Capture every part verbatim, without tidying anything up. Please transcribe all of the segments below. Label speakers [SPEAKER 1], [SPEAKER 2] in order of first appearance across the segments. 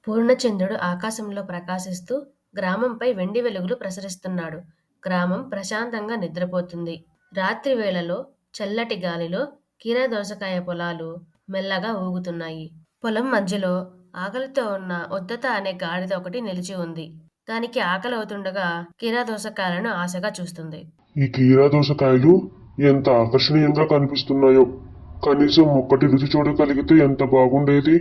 [SPEAKER 1] పూర్ణచంద్రుడు ఆకాశంలో ప్రకాశిస్తూ గ్రామంపై వెండి వెలుగులు ప్రసరిస్తున్నాడు. గ్రామం ప్రశాంతంగా నిద్రపోతుంది. రాత్రి వేళలో చల్లటి గాలిలో కీరదోసకాయ పొలాలు మెల్లగా ఊగుతున్నాయి. పొలం మధ్యలో ఆకలితో ఉన్న ఉద్దత అనే గాడిద ఒకటి నిలిచి ఉంది. దానికి ఆకలవుతుండగా కీరదోసకాయలను ఆశగా చూస్తుంది.
[SPEAKER 2] ఈ కీరదోసకాయలు ఎంత ఆకర్షణీయంగా కనిపిస్తున్నాయో! కనీసం ఒక్కటి రుచి చూడగలిగితే ఎంత బాగుండేది.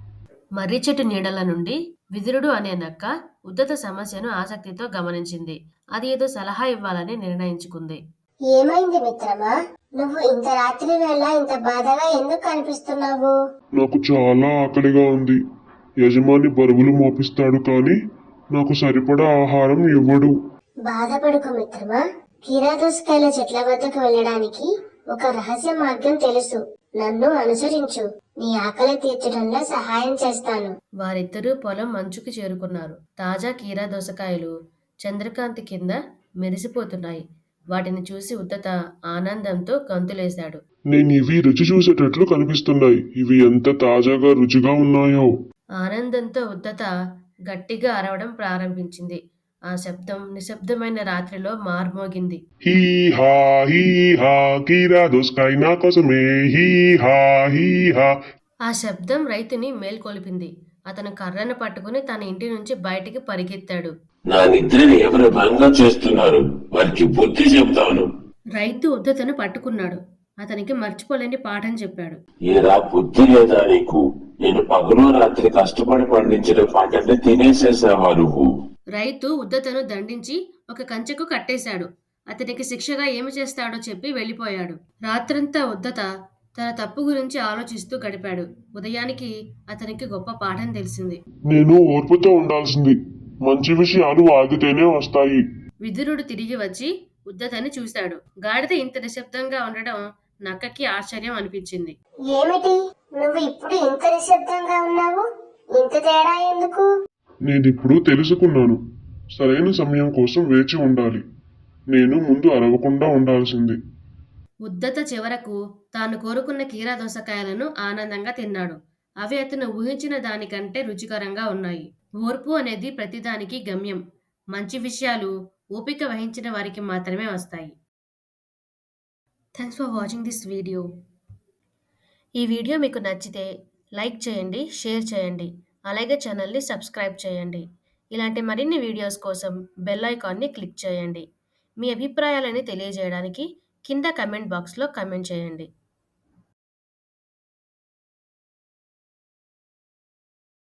[SPEAKER 1] మర్రి చెట్టు నీడల నుండి విదురుడు అనే నక్క ఉద్దత సమస్యను ఆసక్తితో గమనించింది. అది ఏదో సలహా ఇవ్వాలని నిర్ణయించుకుంది.
[SPEAKER 3] ఏమైంది మిత్రమా? నువ్వు ఇంత రాత్రి వేళ ఇంత బాధగా ఎందుకు కనిపిస్తున్నావు?
[SPEAKER 2] నాకు చాలా ఆకలిగా ఉంది. యజమాని బరువులు మోపిస్తాడు కానీ నాకు సరిపడా ఆహారం ఇవ్వడు.
[SPEAKER 3] బాధపడుకు మిత్రమా. కీరదోసకాయల చెట్ల వద్దకు వెళ్ళడానికి ఒక రహస్య మార్గం తెలుసు. నన్ను అనుసరించు. నీ ఆకలి తీర్చడంలో సహాయం చేస్తాను.
[SPEAKER 1] వారిద్దరూ పొలం మంచుకి చేరుకున్నారు. తాజా కీరా దోసకాయలు చంద్రకాంతి కింద మెరిసిపోతున్నాయి. వాటిని చూసి ఉద్దత ఆనందంతో గంతులేశాడు.
[SPEAKER 2] నేను ఇవి రుచి చూసేటట్లు కనిపిస్తున్నాయి. ఇవి ఎంత తాజాగా రుచిగా ఉన్నాయో!
[SPEAKER 1] ఆనందంతో ఉద్దత గట్టిగా అరవడం ప్రారంభించింది. ఆ శబ్దం నిశ్శబ్దమైన రాత్రిలో మార్మోగింది.
[SPEAKER 2] హీ హా హీ హా కీరదోసకాయ నా కోసమే హీ హా హీ హా.
[SPEAKER 1] ఆ శబ్దం రైతుని మేల్కొలిపింది. అతను కర్రను పట్టుకుని తన ఇంటి నుంచి బయటికి పరిగెత్తాడు.
[SPEAKER 4] నా నిద్రని ఎవరు భంగం చేస్తున్నారు, వారికి బుద్ధి చెబుతాను.
[SPEAKER 1] రైతు ఉద్దతను పట్టుకున్నాడు. అతనికి మర్చిపోలేని పాఠం చెప్పాడు.
[SPEAKER 4] ఏరా బుద్ధి లేదా నీకు? నేను పగలు రాత్రి కష్టపడి పండించిన పంటని తినేసేసావా నువ్వు?
[SPEAKER 1] రైతు ఉద్దతను దండించి ఒక కంచెకు కట్టేశాడు. అతనికి శిక్షగా ఏమి చేస్తాడో చెప్పి వెళ్ళిపోయాడు. రాత్రంతా ఉద్దత తన తప్పు గురించి ఆలోచిస్తూ గడిపాడు. ఉదయానికి అతనికి గొప్ప పాఠం తెలిసింది.
[SPEAKER 2] నేను ఓర్పుతో ఉండాల్సింది. మంచి విషయాలు ఆగితేనే వస్తాయి.
[SPEAKER 1] విదురుడు తిరిగి వచ్చి ఉద్దతని చూశాడు. గాడిద ఇంత నిశ్శబ్దంగా ఉండడం నక్కకి ఆశ్చర్యం అనిపించింది.
[SPEAKER 3] ఏమిటి, నువ్వు ఇప్పుడు ఇంత నిశ్శబ్దంగా ఉన్నావు? ఇంత తేడా ఎందుకు?
[SPEAKER 2] నేనిప్పుడు తెలుసుకున్నాను. సరైన సమయం కోసం వేచి ఉండాలి. నేను ముందు అరవకుండా ఉండాల్సింది.
[SPEAKER 1] ఉద్దత చివరకు తాను కోరుకున్న కీరా దోసకాయలను ఆనందంగా తిన్నాడు. అవి అతను ఊహించిన దానికంటే రుచికరంగా ఉన్నాయి. ఓర్పు అనేది ప్రతిదానికి గమ్యం. మంచి విషయాలు ఓపిక వహించిన వారికి మాత్రమే వస్తాయి. Thanks for watching this video. ఈ వీడియో మీకు నచ్చితే లైక్ చేయండి, షేర్ చేయండి, అలాగే ఛానల్ని సబ్స్క్రైబ్ చేయండి. ఇలాంటి మరిన్ని వీడియోస్ కోసం బెల్ ఐకాన్ని క్లిక్ చేయండి. మీ అభిప్రాయాలని తెలియజేయడానికి కింద కమెంట్ బాక్స్లో కమెంట్ చేయండి.